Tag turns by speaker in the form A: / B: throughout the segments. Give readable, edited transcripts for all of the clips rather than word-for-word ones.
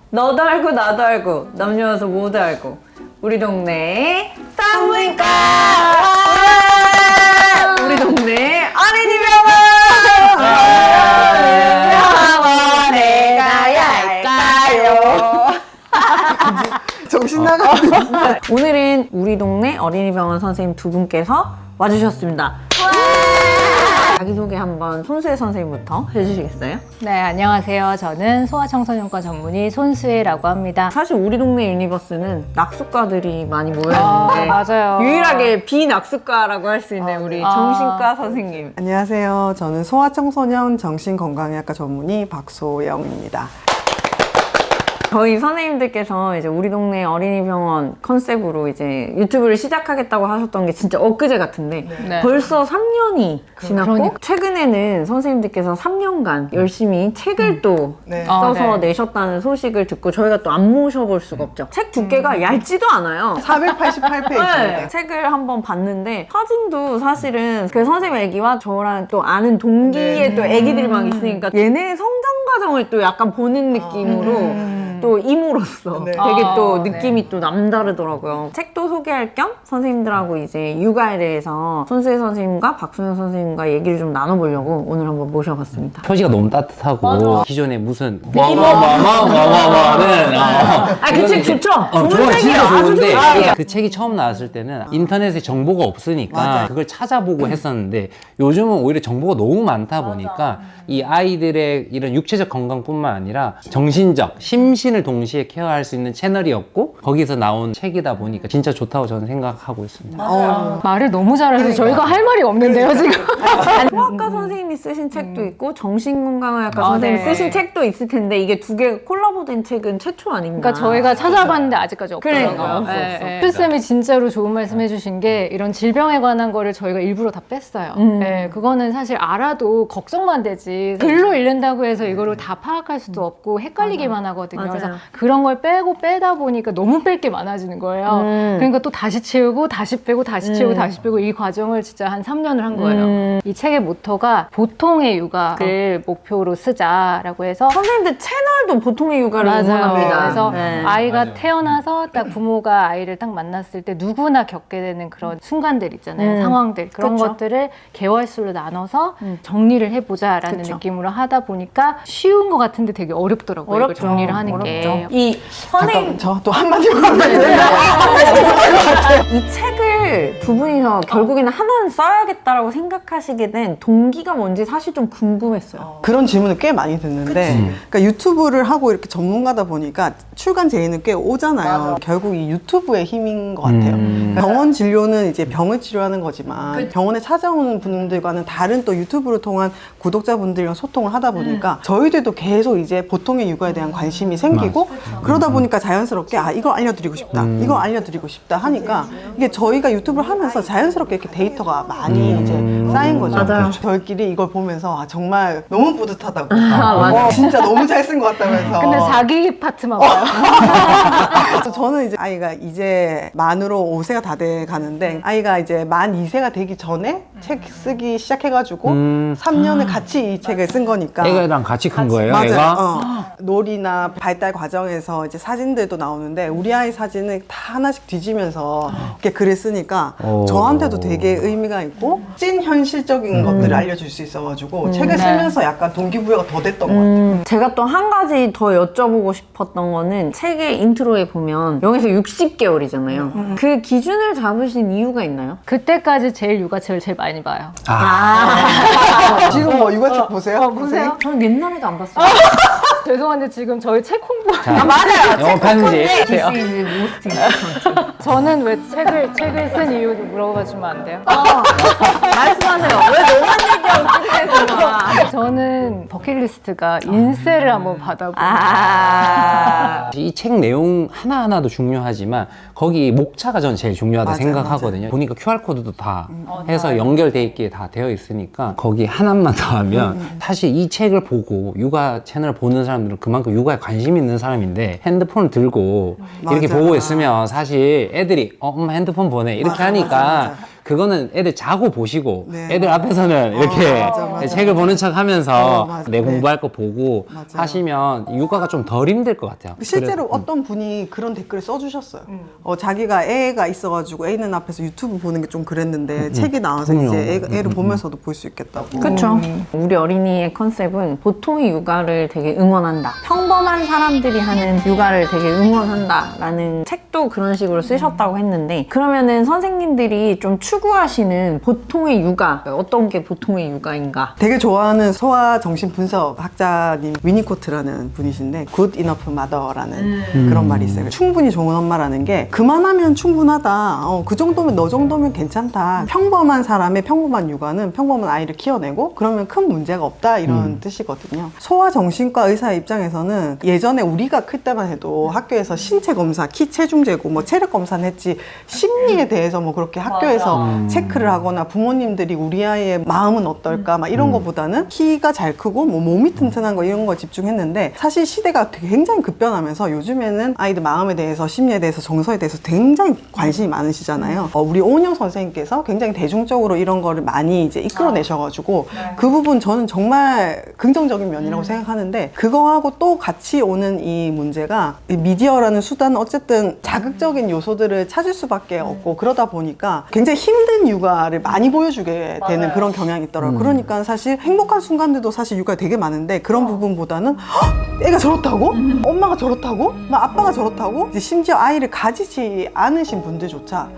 A: 너도 알고 나도 알고 남녀여서 모두 알고 우리 동네 산부인과 우리 동네 어린이 병원에 가야 할까요?
B: 정신 나가는.
A: 오늘은 우리 동네 어린이병원 선생님 두 분께서 와주셨습니다. 자기소개 한번 손수혜 선생님부터 해주시겠어요?
C: 네, 안녕하세요. 저는 소아청소년과 전문의 손수혜라고 합니다.
A: 사실 우리 동네 유니버스는 낙수과들이 많이 모여있는데
C: 맞아요.
A: 유일하게 비낙수과라고 할 수 있는 우리 정신과 선생님.
B: 안녕하세요. 저는 소아청소년 정신건강의학과 전문의 박소영입니다.
A: 저희 선생님들께서 이제 우리 동네 어린이병원 컨셉으로 이제 유튜브를 시작하겠다고 하셨던 게 진짜 엊그제 같은데
C: 네.
A: 벌써 3년이 지났고
C: 그러니까.
A: 최근에는 선생님들께서 3년간 열심히 책을 또
B: 네.
A: 써서
C: 네.
A: 내셨다는 소식을 듣고 저희가 또 안 모셔볼 수가 없죠. 책 두께가 얇지도 않아요.
B: 488페이지입니다.
A: 네, 책을 한번 봤는데 사진도 사실은 그 선생님 애기와 저랑 또 아는 동기의 또 애기들이 막 있으니까 얘네의 성장 과정을 또 약간 보는 느낌으로 또 이모로서
B: 네.
A: 되게 또
C: 네.
A: 느낌이 또 남다르더라고요. 책도 소개할 겸 선생님들하고 이제 육아에 대해서 손수혜 선생님과 박소영 선생님과 얘기를 좀 나눠보려고 오늘 한번 모셔봤습니다.
D: 표지가 너무 따뜻하고 기존에 무슨 와와와와와와는
A: 그 책 좋죠? 좋은
D: 좋아
A: 책이에요.
D: 진짜
A: 아주
D: 좋은데
A: 좋은 책이에요.
D: 그 책이 처음 나왔을 때는 인터넷에 정보가 없으니까
B: 맞아요.
D: 그걸 찾아보고 했었는데 요즘은 오히려 정보가 너무 많다 보니까 이 아이들의 이런 육체적 건강뿐만 아니라 정신적, 심신을 동시에 케어할 수 있는 채널이었고 거기서 나온 책이다 보니까 진짜 좋다고 저는 생각하고 있습니다.
C: 말을 너무 잘해서 저희가 할 말이 없는데요, 지금.
A: 소아과 선생님이 쓰신 책도 있고 정신건강의학과
C: 아,
A: 선생님이
C: 네.
A: 쓰신 책도 있을 텐데 이게 두 개가 콜라보된 책은 최초 아닌가?
C: 그러니까 저희가 찾아봤는데 아직까지 없더라고요.
A: 그러니까요. 없어,
C: 네,
A: 없어.
C: 네. 필쌤이 진짜로 좋은 말씀 해주신 게 이런 질병에 관한 거를 저희가 일부러 다 뺐어요. 네, 그거는 사실 알아도 걱정만 되지 글로 읽는다고 해서 이거를 다 파악할 수도 없고 헷갈리기만 하거든요.
A: 맞아요.
C: 그래서 그런 걸 빼다 보니까 너무 뺄 게 많아지는 거예요. 그러니까 또 다시 채우고 다시 빼고 다시 채우고 다시 빼고 이 과정을 진짜 한 3년을 한 거예요. 이 책의 모토가 보통의 육아를 목표로 쓰자라고 해서
A: 선생님들 채널도 보통의 육아를 응원합니다.
C: 그래서
A: 네.
C: 아이가 태어나서 딱 부모가 아이를 딱 만났을 때 누구나 겪게 되는 그런 순간들 있잖아요. 상황들. 그런
A: 그쵸.
C: 것들을 개월수로 나눠서 정리를 해보자라는
A: 그쵸.
C: 느낌으로 하다 보니까 쉬운 것 같은데 되게 어렵더라고요. 이걸 정리를 하는 게.
A: 이 선생님
B: 저 또 한마디만 하면
A: 네.
B: 돼요.
A: 이 책을 두 분이서 결국에는 하나는 써야겠다라고 생각하시게 된 동기가 뭔지 사실 좀 궁금했어요.
B: 그런 질문을 꽤 많이 듣는데 그러니까 유튜브를 하고 이렇게 전문가다 보니까 출간 제의는 꽤 오잖아요. 결국 이 유튜브의 힘인 것 같아요. 병원 진료는 이제 병을 치료하는 거지만 병원에 찾아오는 분들과는 다른 또 유튜브를 통한 구독자분들이랑 소통을 하다 보니까 저희들도 계속 이제 보통의 육아에 대한 관심이 생기고 그러다 보니까 자연스럽게 이거 알려드리고 싶다 이거 알려드리고 싶다 하니까 이게 저희가 유튜브를 하면서 자연스럽게 이렇게 데이터가 많이 이제 쌓인 거죠.
A: 맞아요.
B: 저희끼리 이걸 보면서 정말 너무 뿌듯하다고
A: 맞아요.
B: 진짜 너무 잘 쓴 것 같다면서
C: 근데 자기 파트만 봐요.
B: 그래서 저는 이제 아이가 이제 만으로 5세가 다 돼 가는데 아이가 이제 만 2세가 되기 전에 책 쓰기 시작해가지고 3년을 같이 이 책을 쓴 거니까
D: 애가랑 같이 큰 거예요?
B: 맞아요.
D: 애가?
B: 놀이나 발달 과정에서 이제 사진들도 나오는데 우리 아이 사진을 다 하나씩 뒤지면서 이렇게 글을 쓰니까 저한테도 되게 의미가 있고 찐 현실적인 것들을 알려줄 수 있어가지고 책을 쓰면서 약간 동기부여가 더 됐던 것 같아요.
A: 제가 또 한 가지 더 여쭤보고 싶었던 거는 책의 인트로에 보면 0에서 60개월이잖아요. 그 기준을 잡으신 이유가 있나요?
C: 그때까지 제일 육아책을 제일 많이 봐요.
B: 지금 뭐 육아책 보세요?
C: 보세요.
A: 저는 옛날에도 안 봤어요.
C: 죄송한데 지금 저희 책 홍보
A: 맞아요.
D: 영어 편지.
A: This is most important.
C: 저는 왜 책을 쓴 이유도 물어봐 주면 안 돼요?
A: 말씀하세요. 왜 너만 얘기하고 끝내서
C: 저는 버킷리스트가 인쇄를 한번 받아보고
D: 이 책 내용 하나하나도 중요하지만 거기 목차가 전 제일 중요하다
B: 맞아요,
D: 생각하거든요. 보니까 QR코드도 다 해서 연결돼 있게 다 되어 있으니까 거기 하나만 더 하면 사실 이 책을 보고 육아 채널 보는 사람들은 그만큼 육아에 관심 있는 사람인데 핸드폰을 들고 이렇게
B: 맞아.
D: 보고 있으면 사실 애들이 엄마 핸드폰 보내 이렇게
B: 맞아,
D: 하니까
B: 맞아, 맞아.
D: 그거는 애들 자고 보시고
B: 네.
D: 애들 앞에서는 이렇게
B: 맞아.
D: 책을 보는 척 하면서
B: 맞아.
D: 내
B: 네.
D: 공부할 거 보고
B: 맞아요.
D: 하시면 육아가 좀 덜 힘들 것 같아요.
B: 실제로
D: 그래서,
B: 어떤 분이 그런 댓글을 써주셨어요. 자기가 애가 있어가지고 애 있는 앞에서 유튜브 보는 게 좀 그랬는데 책이 나와서
D: 그럼요.
B: 이제 애를 보면서도 볼 수 있겠다고.
A: 그렇죠. 우리 어린이의 컨셉은 보통의 육아를 되게 응원한다. 평범한 사람들이 하는 육아를 되게 응원한다라는 책도 그런 식으로 쓰셨다고 했는데 그러면은 선생님들이 좀 추구하시는 보통의 육아 어떤 게 보통의 육아인가?
B: 되게 좋아하는 소아정신분석 학자님 위니코트라는 분이신데 Good Enough Mother라는 그런 말이 있어요. 충분히 좋은 엄마라는 게 그만하면 충분하다. 그 정도면 너 정도면 괜찮다. 평범한 사람의 평범한 육아는 평범한 아이를 키워내고 그러면 큰 문제가 없다 이런 뜻이거든요. 소아정신과 의사의 입장에서는 예전에 우리가 클 때만 해도 학교에서 신체 검사, 키 체중 재고 뭐 체력 검사는 했지 심리에 대해서 뭐 그렇게 학교에서 체크를 하거나 부모님들이 우리 아이의 마음은 어떨까 막 이런 거보다는 키가 잘 크고 뭐 몸이 튼튼한 거 이런 거 집중했는데 사실 시대가 되게 굉장히 급변하면서 요즘에는 아이들 마음에 대해서 심리에 대해서 정서에 대해서 굉장히 관심이 많으시잖아요. 우리 오은영 선생님께서 굉장히 대중적으로 이런 거를 많이 이제 이끌어내셔가지고 그 부분 저는 정말 긍정적인 면이라고 생각하는데 그거하고 또 같이 오는 이 문제가 이 미디어라는 수단은 어쨌든 자극적인 요소들을 찾을 수밖에 없고 그러다 보니까 굉장히 힘든 육아를 많이 보여주게 되는 그런 경향이 있더라고요. 그러니까 사실 행복한 순간들도 사실 육아에 되게 많은데 그런 부분보다는 "헉, 애가 저렇다고? 엄마가 저렇다고? 막 아빠가 저렇다고?" 이제 심지어 아이를 가지지 않으신 분들조차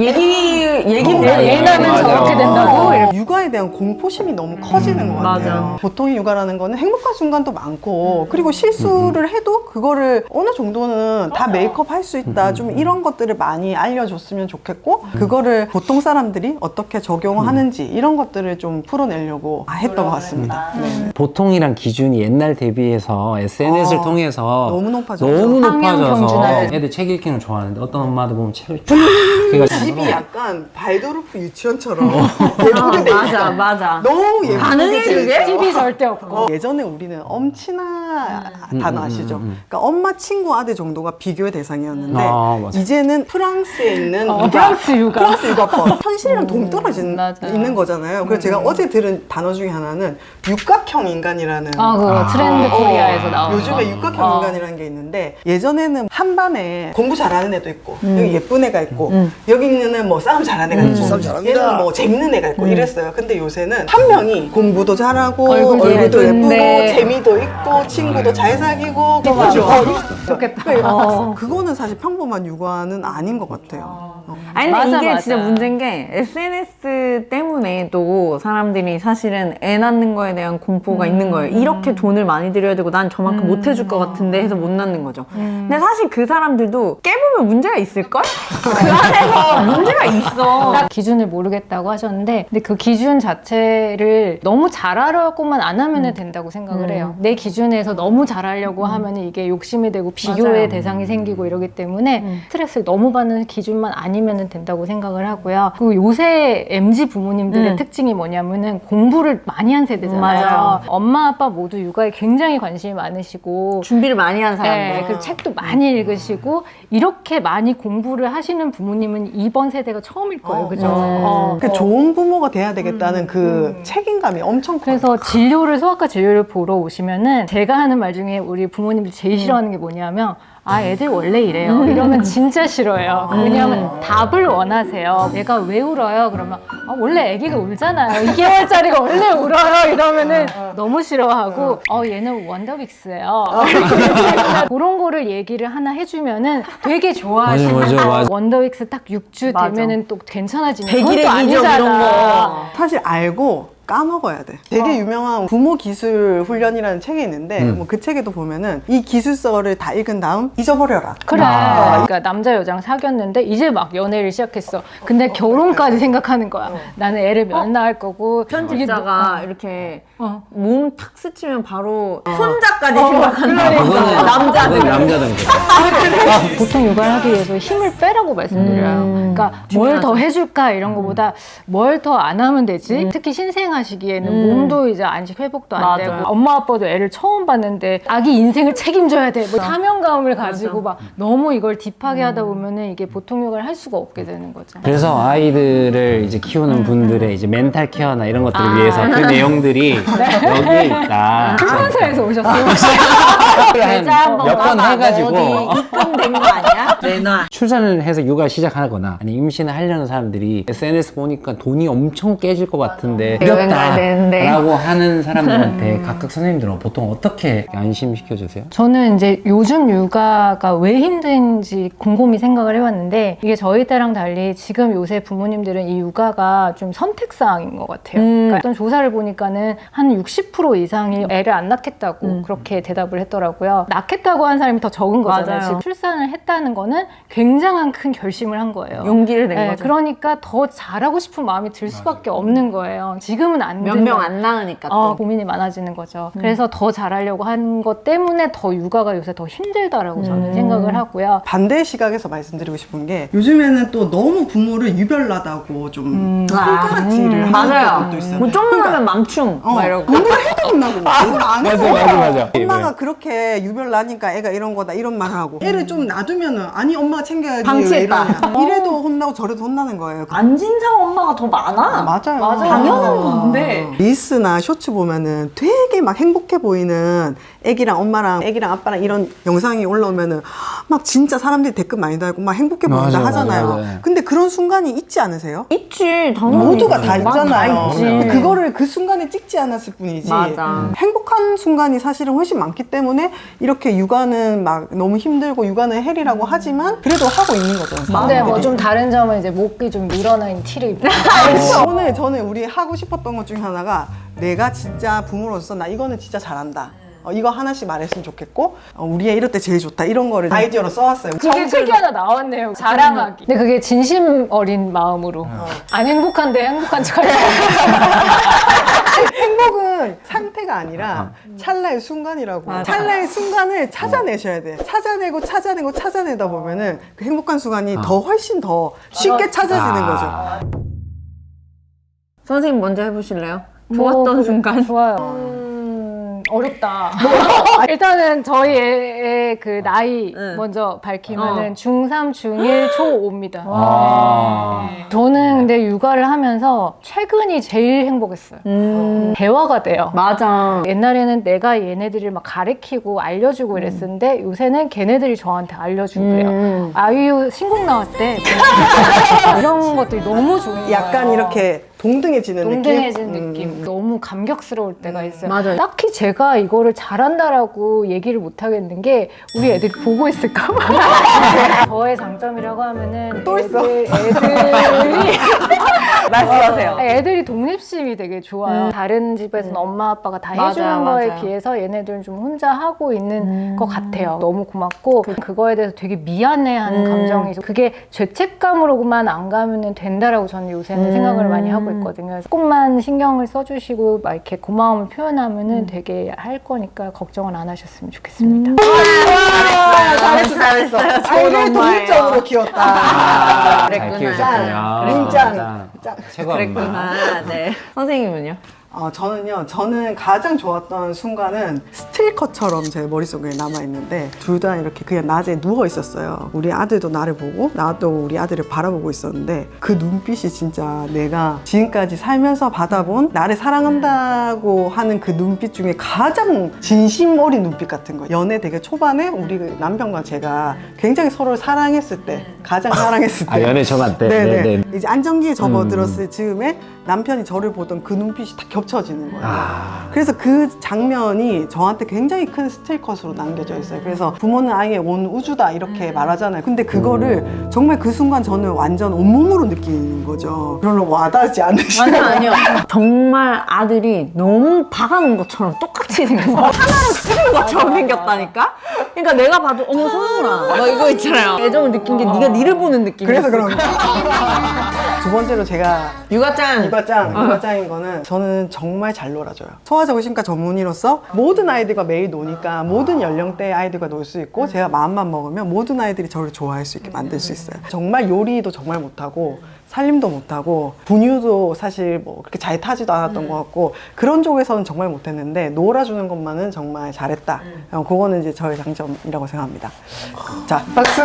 C: 얘나면
D: 맞아.
C: 저렇게 된다고 이렇게.
B: 육아에 대한 공포심이 너무 커지는 것 같아요.
A: 맞아.
B: 보통의 육아라는 거는 행복한 순간도 많고 그리고 실수를 해도 그거를 어느 정도는 다 메이크업 할 수 있다. 좀 이런 것들을 많이 알려줬으면 좋겠고 그거를 보통 사람들이 어떻게 적용하는지 이런 것들을 좀 풀어내려고 했던 것 같습니다. 네.
D: 보통이란 기준이 옛날 대비해서 SNS를 통해서
B: 너무 높아졌죠.
D: 너무
C: 학령
D: 높아져서
C: 경준화돼서.
D: 애들 책 읽기는 좋아하는데 어떤 엄마들 보면 책을 쭉 해가지고
B: 집이 약간 발도르프 유치원처럼 예쁘게 돼 있어.
A: 맞아.
B: 너무 예쁘게
A: 가능해,
B: 돼
A: 그게?
B: 있어.
C: TV 절대 없고.
B: 예전에 우리는 엄친아 단어 아시죠? 그러니까 엄마 친구 아들 정도가 비교의 대상이었는데
D: 아, 맞아.
B: 이제는 프랑스에 있는
C: 프랑스 육아.
B: 프랑스 육아법 현실이랑 동떨어진
C: 맞아요.
B: 있는 거잖아요. 그래서 제가 어제 들은 단어 중에 하나는 육각형 인간이라는
C: 그 트렌드 코리아에서 나온
B: 요즘에
C: 거.
B: 육각형 인간이라는 게 있는데 예전에는 한 반에 공부 잘하는 애도 있고 여기 예쁜 애가 있고 여기 있는 애는 뭐 싸움 잘하는 애가 있고
E: 싸움 잘합니다.
B: 얘는 뭐 재밌는 애가 있고 이랬어요. 근데 요새는 한 명이 공부도 잘하고
C: 얼굴도
B: 얼굴도 예쁘고
A: 예쁜데.
B: 재미도 있고 친구도 잘 사귀고 그죠?
C: 좋겠다.
B: 그거는 사실 평범한 육아는 아닌 것 같아요.
A: 아니 근데
C: 맞아,
A: 이게
C: 맞아.
A: 진짜 문제인 게 SNS 때문에도 사람들이 사실은 애 낳는 거에 대한 공포가 있는 거예요. 이렇게 돈을 많이 들여야 되고 난 저만큼 못 해줄 것 같은데 해서 못 낳는 거죠. 근데 사실 그 사람들도 깨보면 문제가 있을걸? 그 안에서 문제가 있어.
C: 딱 기준을 모르겠다고 하셨는데 근데 그 기준 자체를 너무 잘하려고만 안 하면 된다고 생각을 해요. 내 기준에서 너무 잘하려고 하면 이게 욕심이 되고 비교의
A: 맞아요.
C: 대상이 생기고 이러기 때문에 스트레스를 너무 받는 기준만 아니면 된다고 생각을 하고요. 그리고 요새 MZ 부모님들의 특징이 뭐냐면은 공부를 많이 한 세대잖아요.
A: 맞아요.
C: 엄마 아빠 모두 육아에 굉장히 관심이 많으시고
A: 준비를 많이 한 사람들.
C: 네, 그 책도 많이 읽으시고 이렇게 많이 공부를 하시는 부모님은 이번 세대가 처음일 거예요, 그죠?
B: 그 좋은 부모가 돼야 되겠다는 그 책임감이 엄청 커요.
C: 그래서 진료를 소아과 진료를 보러 오시면은 제가 하는 말 중에 우리 부모님들이 제일 싫어하는 게 뭐냐면 애들 원래 이래요. 이러면 진짜 싫어요. 왜냐하면 답을 원하세요. 얘가 왜 울어요? 그러면 원래 아기가 울잖아요. 2개월짜리가 원래 울어요. 이러면은 너무 싫어하고 얘는 원더빅스예요. 그런 거를 얘기를 하나 해주면은 되게 좋아하시는
D: 맞아.
C: 원더빅스 딱 6주
A: 맞아.
C: 되면은 또 괜찮아지는
A: 백일의
C: 그것도
A: 기적 이런
C: 아니잖아.
A: 거.
B: 사실 알고 까먹어야 돼. 되게 유명한 부모 기술 훈련이라는 책이 있는데 뭐 그 책에도 보면은 이 기술서를 다 읽은 다음 잊어버려라.
C: 그래. 그러니까 남자 여자랑 사귀었는데 이제 막 연애를 시작했어. 근데 결혼까지 생각하는 거야. 나는 애를 몇 낳을 거고.
A: 편집자가 이렇게
C: 어.
A: 몸 탁 스치면 바로 손자까지 생각한다.
D: 그거는
A: 남자들.
D: 남자들
C: 보통 육아를 하기 위해서 힘을 빼라고 말씀드려요. 그러니까 뭘 더 해줄까 이런 거보다 뭘 더 안 하면 되지. 특히 신생아 태어나시기에는 몸도 이제 안식 회복도 안
A: 맞아요.
C: 되고 엄마 아빠도 애를 처음 봤는데 아기 인생을 책임져야 돼. 뭐 사명감을 가지고 막 너무 이걸 딥하게 하다 보면은 이게 보통 육아를 할 수가 없게 되는 거죠.
D: 그래서 아이들을 이제 키우는 분들의 이제 멘탈 케어나 이런 것들을 위해서 그 내용들이 여기에 있다.
C: 출판사에서 오셨어요.
D: 몇 번 해가지고
A: 어디 입금된 거 아니야? 내놔.
D: 출산을 해서 육아 시작하거나 아니 임신을 하려는 사람들이 SNS 보니까 돈이 엄청 깨질 것 같은데
A: 여행 가야 되는데.
D: 라고 하는 사람들한테 각각 선생님들은 보통 어떻게 안심시켜 주세요?
C: 저는 이제 요즘 육아가 왜 힘든지 곰곰이 생각을 해봤는데 이게 저희 때랑 달리 지금 요새 부모님들은 이 육아가 좀 선택사항인 것 같아요. 그러니까 어떤 조사를 보니까는 한 60% 이상이 애를 안 낳겠다고 그렇게 대답을 했더라고요. 낳겠다고 한 사람이 더 적은 거잖아요.
A: 맞아요.
C: 지금 출산을 했다는 거는 굉장한 큰 결심을 한 거예요.
A: 용기를 낸
C: 네,
A: 거죠.
C: 그러니까 더 잘하고 싶은 마음이 들 수밖에 없는 거예요. 지금은 안
A: 몇
C: 된다.
A: 명 안 낳으니까 또.
C: 고민이 많아지는 거죠. 그래서 더 잘하려고 한 것 때문에 더 육아가 요새 더 힘들다라고 저는 생각을 하고요.
B: 반대의 시각에서 말씀드리고 싶은 게 요즘에는 또 너무 부모를 유별나다고 좀 손가락질을 하는
A: 맞아요.
B: 것도 있어요.
A: 뭐 좀만 하면 망충 막 이러고.
B: 공부를 해도 혼나고 공부를 안 해도
D: 맞아.
B: 엄마가 그렇게 유별나니까 애가 이런 거다 이런 말을 하고 애를 좀 놔두면은 아니 엄마가 챙겨야지
A: 방치했다.
B: 왜 이러냐. 이래도 혼나고 저래도 혼나는 거예요.
A: 안 진상 엄마가 더 많아.
B: 맞아요.
A: 당연한 건데.
B: 릴스나 쇼츠 보면은 되게 막 행복해 보이는 애기랑 엄마랑 애기랑 아빠랑 이런 영상이 올라오면은 막 진짜 사람들이 댓글 많이 달고 막 행복해 보인다
D: 맞아,
B: 하잖아요.
D: 맞아.
B: 근데 그런 순간이 있지 않으세요?
A: 있지, 당연히.
B: 모두가 다
A: 있지.
B: 있잖아요.
A: 다 있지.
B: 근데 그거를 그 순간에 찍지 않았을 뿐이지.
A: 맞아.
B: 행복한 순간이 사실은 훨씬 많기 때문에 이렇게 육아는 막 너무 힘들고 육아는 헬이라고 하지만 그래도 하고 있는 거죠.
C: 근데 뭐 좀 다른 점은 이제 목이 좀 늘어나 있는 티를 입고
B: 오늘 저는 우리 하고 싶었던 것 중에 하나가 내가 진짜 부모로서 나 이거는 진짜 잘한다. 이거 하나씩 말했으면 좋겠고 우리 애 이럴 때 제일 좋다 이런 거를 아이디어로 써왔어요.
C: 그게 책이 하나 나왔네요. 자랑하기. 근데 그게 진심 어린 마음으로 안 행복한데 행복한 척하려고.
B: 행복은 상태가 아니라 찰나의 순간이라고. 찰나의 순간을 찾아내셔야 돼. 찾아내다 보면은 그 행복한 순간이 더 훨씬 더 쉽게 찾아지는 거죠.
A: 선생님 먼저 해보실래요?
C: 뭐,
A: 좋았던
C: 그래,
A: 순간.
C: 좋아요. 어렵다. 일단은 저희 애의 그 나이 먼저 밝히면은 중3, 중1, 초5입니다. 저는 근데 육아를 하면서 최근이 제일 행복했어요. 대화가 돼요.
A: 맞아.
C: 옛날에는 내가 얘네들을 막 가르치고 알려주고 이랬었는데 요새는 걔네들이 저한테 알려주고 그래요. 아이유 신곡 나왔대. 이런 것들이 너무 좋은 거예요.
B: 약간 이렇게 동등해지는
C: 동등해진
B: 느낌?
C: 느낌. 너무 감격스러울 때가 있어요.
A: 맞아요.
C: 딱히 제가 이거를 잘한다라고 얘기를 못 하겠는 게 우리 애들이 보고 있을까 봐. 저의 장점이라고 하면은
B: 또 있어?
C: 애들이
A: 말씀하세요.
C: 애들이 독립심이 되게 좋아요. 다른 집에서는 엄마 아빠가 다
A: 맞아요,
C: 해주는 거에
A: 맞아요.
C: 비해서 얘네들은 좀 혼자 하고 있는 것 같아요. 너무 고맙고 그거에 대해서 되게 미안해하는 감정이 있어. 그게 죄책감으로만 안 가면은 된다라고 저는 요새는 생각을 많이 하고 있거든요. 그래서 조금만 신경을 써주시고 막 이렇게 고마움을 표현하면은 되게 할 거니까 걱정을 안 하셨으면 좋겠습니다.
A: 잘했어.
B: 아이를 독립적으로 키웠다.
D: 잘
A: 그랬구나.
D: 키우셨군요.
B: 짱.
D: 최고 엄마.
A: 그랬구나. 네. 선생님은요?
B: 저는 가장 좋았던 순간은 스틸컷처럼 제 머릿속에 남아있는데 둘 다 이렇게 그냥 낮에 누워 있었어요. 우리 아들도 나를 보고 나도 우리 아들을 바라보고 있었는데 그 눈빛이 진짜 내가 지금까지 살면서 받아본 나를 사랑한다고 하는 그 눈빛 중에 가장 진심 어린 눈빛 같은 거예요. 연애 되게 초반에 우리 그 남편과 제가 굉장히 서로를 사랑했을 때 가장 사랑했을 때
D: 연애 초반 때.
B: 네네. 이제 안정기에 접어들었을 즈음에 남편이 저를 보던 그 눈빛이 다 겹쳐지는 거예요. 그래서 그 장면이 저한테 굉장히 큰 스틸컷으로 남겨져 있어요. 그래서 부모는 아이의 온 우주다 이렇게 말하잖아요. 근데 그거를 정말 그 순간 저는 완전 온몸으로 느끼는 거죠. 별로 와닿지 않으시죠?
A: 아니요. 정말 아들이 너무 박아놓은 것처럼 똑같이 생겼어. 하나로 찍은 것처럼 생겼다니까? 그러니까 내가 봐도 어머 소영아 너 이거 있잖아요. 애정을 느낀 게 네가 니를 보는 느낌이었어.
B: 그래서 그런 거예요. 두 번째로 제가
A: 육아짱.
B: 육아짱인 거는 저는 정말 잘 놀아줘요. 소아정신과 전문의로서 모든 아이들과 매일 노니까 모든 연령대의 아이들과 놀 수 있고 제가 마음만 먹으면 모든 아이들이 저를 좋아할 수 있게 만들 수 있어요. 정말 요리도 정말 못하고 살림도 못하고 분유도 사실 뭐 그렇게 잘 타지도 않았던 것 같고 그런 쪽에서는 정말 못했는데 놀아주는 것만은 정말 잘했다. 그거는 이제 저의 장점이라고 생각합니다. 자, 박수!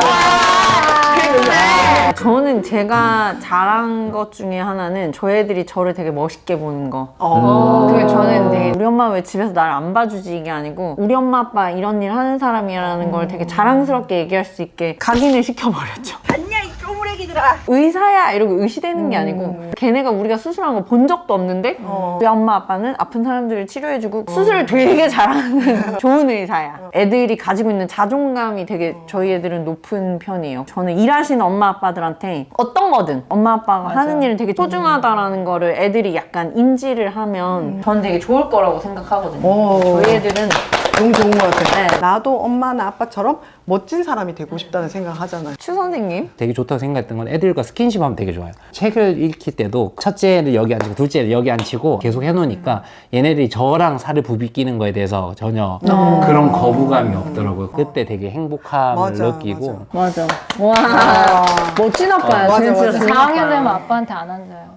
A: 저는 제가 잘한 것 중에 하나는 저희 애들이 저를 되게 멋있게 보는 거. 그 저는 되게 우리 엄마 왜 집에서 날 안 봐주지 이게 아니고 우리 엄마 아빠 이런 일 하는 사람이라는 걸 되게 자랑스럽게 얘기할 수 있게 각인을 시켜버렸죠.
E: 봤냐 이 쪼무레기들아.
A: 의사야 이러고 의시되는 게 아니고 걔네가 우리가 수술한 거 본 적도 없는데 우리 엄마 아빠는 아픈 사람들을 치료해주고 수술을 되게 잘하는 좋은 의사야. 애들이 가지고 있는 자존감이 되게 저희 애들은 높은 편이에요. 저는 일하시는 엄마 아빠들한테 어떤 거든 엄마 아빠가 하는 일은 되게 소중하다라는 거를 애들이 약간 인지를 하면 전 되게 좋을 거라고 생각하거든요. 저희 애들은
B: 너무 좋은 것 같아요.
A: 네.
B: 나도 엄마나 아빠처럼 멋진 사람이 되고 싶다는 생각 하잖아요.
A: 추 선생님
D: 되게 좋다고 생각했던 건 애들과 스킨십 하면 되게 좋아요. 책을 읽힐 때도 첫째를 여기 앉히고 둘째를 여기 앉히고 계속 해놓으니까 얘네들이 저랑 살을 부비끼는 거에 대해서 전혀 그런 거부감이 없더라고요. 그때 되게 행복함을
B: 맞아,
D: 느끼고
A: 맞아. 와 멋진 아빠야.
B: 맞아,
A: 진짜
B: 맞아.
A: 좋은
C: 4학년
A: 아빠야.
C: 되면 아빠한테 안 앉아요.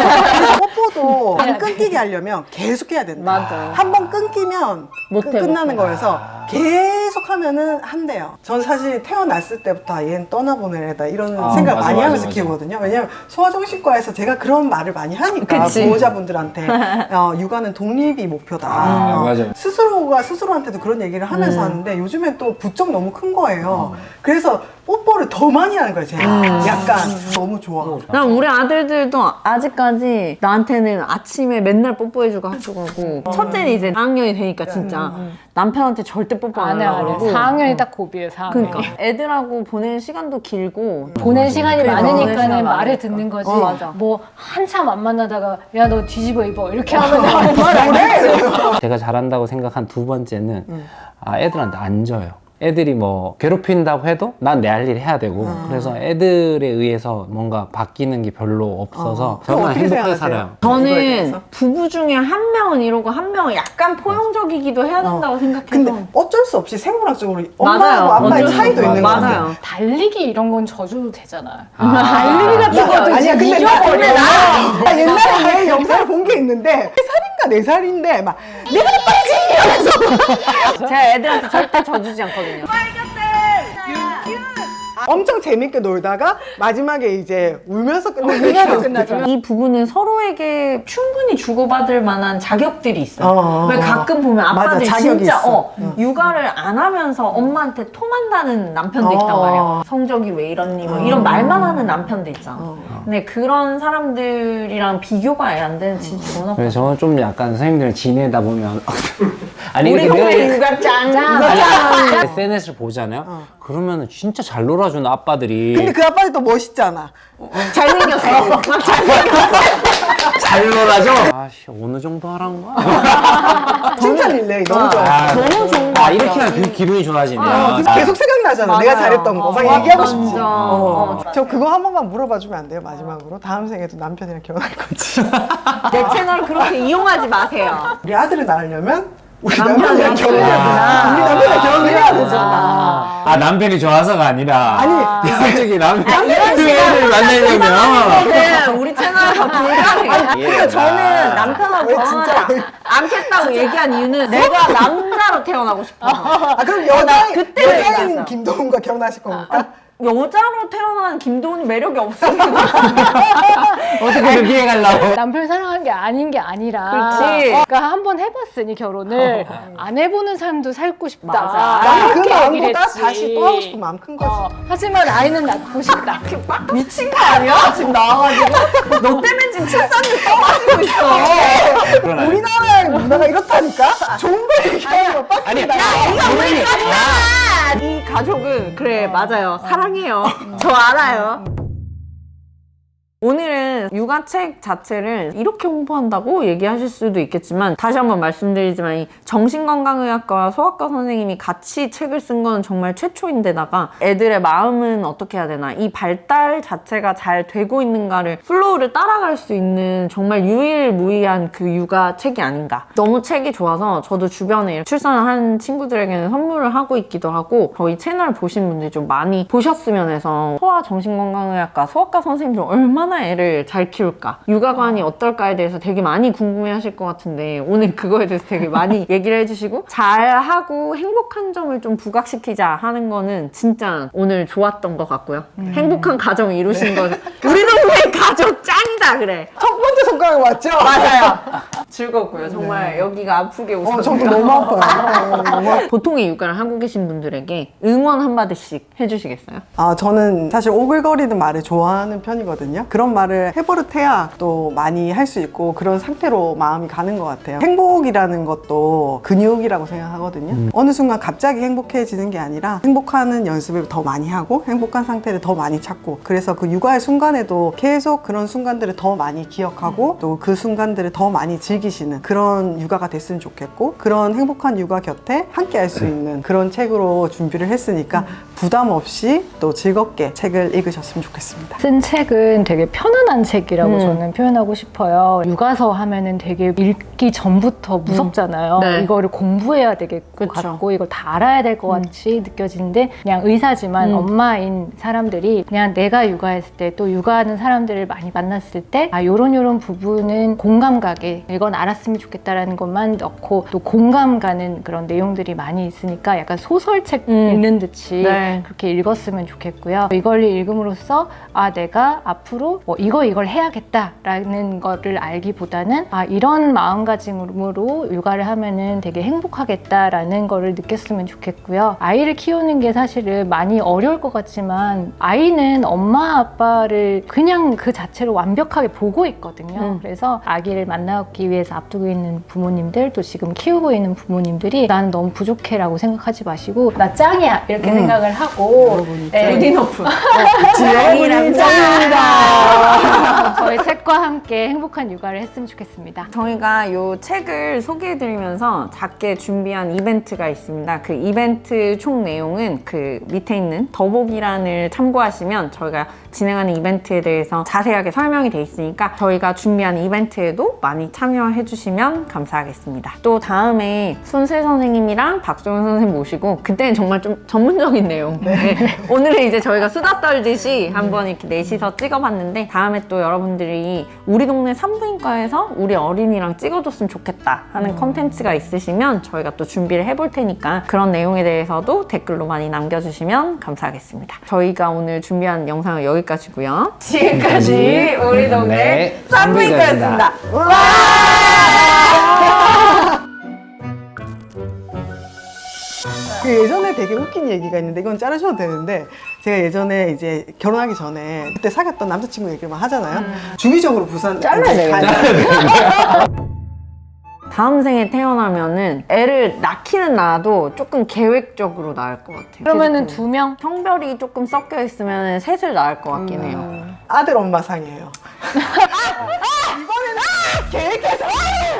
B: 뽀뽀도 안 끊기게 하려면 계속 해야 된다.
A: 맞아.
B: 한 번 끊기면
A: 못해,
B: 끝나는
A: 못해.
B: 거여서 계속 하면은 한대요. 전 사실 태어났을 때부터 얘는 떠나보낼 애다 이런 생각
D: 맞아,
B: 많이
D: 맞아,
B: 하면서
D: 맞아.
B: 키우거든요. 왜냐면 소아정신과에서 제가 그런 말을 많이 하니까
A: 그치.
B: 보호자분들한테 육아는 독립이 목표다.
D: 맞아요.
B: 스스로가 스스로한테도 그런 얘기를 하면서 하는데 요즘엔 또 부쩍 너무 큰 거예요. 그래서 뽀뽀를 더 많이 하는 거예요. 제가 약간 너무 좋아.
A: 난 우리 아들들도 아직까지 나한테는 아침에 맨날 뽀뽀해주고 학교 가고 첫째는 이제 4학년이 되니까 진짜 남편한테 절대 뽀뽀 안
C: 안 해요, 안
A: 하려고
C: 해요. 4학년이 딱 고비예요, 4학년.
A: 그러니까 애들하고 보내는 시간도 길고
C: 보낸 시간이
A: 그래, 보낸
C: 많으니까는
A: 시간
C: 말을
A: 많으니까.
C: 듣는 거지.
A: 맞아.
C: 뭐 한참 안 만나다가 야 너 뒤집어 입어 이렇게 하면 말안 해.
D: 제가 잘한다고 생각한 두 번째는 애들한테 안 져요. 애들이 뭐 괴롭힌다고 해도 난 내 할 일 해야 되고 그래서 애들에 의해서 뭔가 바뀌는 게 별로 없어서
B: 그럼
D: 정말
B: 어떻게
D: 행복하게
B: 생각하세요?
D: 살아요.
A: 저는
B: 대해서?
A: 부부 중에 한 명은 이러고 한 명은 약간 포용적이기도 해야 된다고 생각해서
B: 근데 어쩔 수 없이 생물학적으로
A: 맞아요.
B: 엄마하고 아빠의
A: 어쩔 수
B: 차이도
A: 없어요.
B: 있는 거 같아요.
A: 맞아요.
C: 달리기 이런 건 져줘도 되잖아요.
D: 달리기
C: 같은 것도
B: 아니야,
C: 이제
B: 근데
C: 이겨버려.
B: 나 옛날에 얘 영상을 본 게 있는데 3살인가 4살인데 막 내가
A: 제가 애들한테 절대 져주지 않거든요.
B: 엄청 재밌게 놀다가 마지막에 이제 울면서 끝나죠.
A: 이 부부는 서로에게 충분히 주고받을 만한 자격들이 있어요. 왜 가끔 보면 아빠들
B: 맞아, 자격이
A: 진짜
B: 있어.
A: 육아를 안 하면서 엄마한테 토만다는 남편도 있단 말이에요. 성적이 왜 이러니 뭐 이런 말만 하는 남편도 있잖아. 근데 그런 사람들이랑 비교가 안 되는 진짜 좋은 아빠.
D: 그래서 저는 좀 약간 선생님들이랑 지내다 보면 아니
A: 우리
D: 이렇게
A: 형제 육아짱.
D: SNS를 보잖아요. 그러면 진짜 잘 놀아주는 아빠들이
B: 근데 그 아빠는 또 멋있잖아.
A: 잘생겼어.
D: 잘 놀아줘. 아씨 어느 정도 하란 거야?
B: 칭찬일래 너무 좋아.
A: 너무 좋은 거 같아요.
D: 이렇게 하면 기분이 좋아지네요.
B: 그래서 계속 생각나잖아. 내가 잘했던 거. 막
A: 맞아,
B: 얘기하고 싶지.
A: 맞아.
B: 저 그거 한 번만 물어봐 주면 안 돼요? 마지막으로. 다음 생에도 남편이랑 결혼할 건지.
A: 내 채널 그렇게 이용하지 마세요.
B: 우리 아들을 낳으려면 우리
A: 남편이랑
B: 남편이랑 결혼해야 우리 남편이랑 결혼을 해야 되잖아.
D: 아 남편이 좋아서가 아니라
B: 아니,
D: 솔직히 남편을 만나려면
A: 네, 우리 채널에서 불가능해요. 그래서 저는 남편하고
B: 왜
A: 결혼하지
B: 진짜?
A: 않겠다고 얘기한 이유는 내가 남자로 태어나고 싶어서.
B: 아, 그럼
A: 그때
B: 여자인
A: 얘기하자.
B: 김도훈과 결혼하실 겁니까?
A: 여자로 태어난 김도훈이 매력이 없어서.
D: 어떻게 그렇게 해가려고?
C: 남편 사랑하는 게 아닌 게 아니라
A: 그렇지.
C: 그러니까 한 번 해봤으니 결혼을 안 해보는 삶도 살고 싶다.
A: 맞아.
B: 나는 그
C: 이렇게 얘기를
B: 마음보다
C: 했지.
B: 다시 또 하고 싶은 마음 큰 거지.
C: 하지만 아이는 낳고 싶다.
A: 미친 거 아니야? 지금 나와가지고. 너 때문에 지금 출산율 떨어지고 있어.
D: 그런
B: 우리나라의 문화가 이렇다니까? 좋은 걸 얘기하는 거 빡.
D: 아니
A: 이거 왜 깜짝아! 이 가족은 그래 맞아요. 사랑해요. 저 알아요. 오늘은 육아책 자체를 이렇게 홍보한다고 얘기하실 수도 있겠지만 다시 한번 말씀드리지만 이 정신건강의학과 소아과 선생님이 같이 책을 쓴 건 정말 최초인데다가 애들의 마음은 어떻게 해야 되나 이 발달 자체가 잘 되고 있는가를 플로우를 따라갈 수 있는 정말 유일무이한 그 육아책이 아닌가. 너무 책이 좋아서 저도 주변에 출산한 친구들에게는 선물을 하고 있기도 하고 저희 채널 보신 분들이 좀 많이 보셨으면 해서 소아 정신건강의학과 소아과 선생님들 얼마나 애를 잘 키울까 육아관이 어떨까에 대해서 되게 많이 궁금해 하실 것 같은데 오늘 그거에 대해서 되게 많이 얘기를 해주시고 잘하고 행복한 점을 좀 부각시키자 하는 거는 진짜 오늘 좋았던 것 같고요. 행복한 가정 이루신 거 우리 동네 가족 짱이다 그래.
B: 첫 번째 손가락 맞죠?
A: 맞아요. 즐겁고요. 정말 여기가 아프게 웃어요.
B: 저도 너무 아파요.
A: 보통의 육아를 하고 계신 분들에게 응원 한마디씩 해주시겠어요?
B: 저는 사실 오글거리는 말을 좋아하는 편이거든요. 그런 말을 해버릇해야 또 많이 할 수 있고 그런 상태로 마음이 가는 것 같아요. 행복이라는 것도 근육이라고 생각하거든요. 어느 순간 갑자기 행복해지는 게 아니라 행복하는 연습을 더 많이 하고 행복한 상태를 더 많이 찾고 그래서 그 육아의 순간에도 계속 그런 순간들을 더 많이 기억하고 또 그 순간들을 더 많이 즐기시는 그런 육아가 됐으면 좋겠고 그런 행복한 육아 곁에 함께 할 수 있는 그런 책으로 준비를 했으니까 부담 없이 또 즐겁게 책을 읽으셨으면 좋겠습니다.
C: 쓴 책은 되게 편안한 책이라고 저는 표현하고 싶어요. 육아서 하면은 되게 읽기 전부터 무섭잖아요.
A: 네.
C: 이거를 공부해야 될 것
A: 그쵸.
C: 같고 이걸 다 알아야 될 것 같이 느껴지는데 그냥 의사지만 엄마인 사람들이 그냥 내가 육아했을 때 또 육아하는 사람들을 많이 만났을 때 요런 부분은 공감 가게 이건 알았으면 좋겠다라는 것만 넣고 또 공감 가는 그런 내용들이 많이 있으니까 약간 소설책 읽는 듯이
A: 네.
C: 그렇게 읽었으면 좋겠고요. 이걸 읽음으로써 내가 앞으로 이걸 해야겠다라는 거를 알기보다는 이런 마음가짐으로 육아를 하면은 되게 행복하겠다라는 거를 느꼈으면 좋겠고요. 아이를 키우는 게 사실은 많이 어려울 것 같지만 아이는 엄마 아빠를 그냥 그 자체로 완벽하게 보고 있거든요. 그래서 아기를 만나기 위해서 앞두고 있는 부모님들 또 지금 키우고 있는 부모님들이 나는 너무 부족해라고 생각하지 마시고 나 짱이야 이렇게 생각을 하고
A: 굿이너프.
B: 여러분이 짱입니다.
C: 저희 책과 함께 행복한 육아를 했으면 좋겠습니다.
A: 저희가 이 책을 소개해드리면서 작게 준비한 이벤트가 있습니다. 그 이벤트 총 내용은 그 밑에 있는 더보기란을 참고하시면 저희가 진행하는 이벤트에 대해서 자세하게 설명이 돼 있으니까 저희가 준비한 이벤트에도 많이 참여해 주시면 감사하겠습니다. 또 다음에 손슬 선생님이랑 박소연 선생님 모시고 그때는 정말 좀 전문적인 내용 네. 오늘은 이제 저희가 수다 떨듯이 한번 이렇게 넷이서 찍어봤는데 다음에 또 여러분들이 우리 동네 산부인과에서 우리 어린이랑 찍어줬으면 좋겠다 하는 컨텐츠가 있으시면 저희가 또 준비를 해볼 테니까 그런 내용에 대해서도 댓글로 많이 남겨주시면 감사하겠습니다. 저희가 오늘 준비한 영상은 여기까지고요. 지금까지 우리 동네 산부인과였습니다.
B: 그 예전에 되게 웃긴 얘기가 있는데 이건 자르셔도 되는데 제가 예전에 이제 결혼하기 전에 그때 사귀었던 남자친구 얘기만 하잖아요. 주기적으로 부산
A: 잘라야
B: 이제
A: 되겠다. 다음 생에 태어나면은 애를 낳기는 낳아도 조금 계획적으로 낳을 것 같아요.
C: 그러면은
A: 계속
C: 2명?
A: 성별이 조금 섞여 있으면 셋을 낳을 것 같긴 해요.
B: 아들 엄마 상이에요. 이번에는 계획해서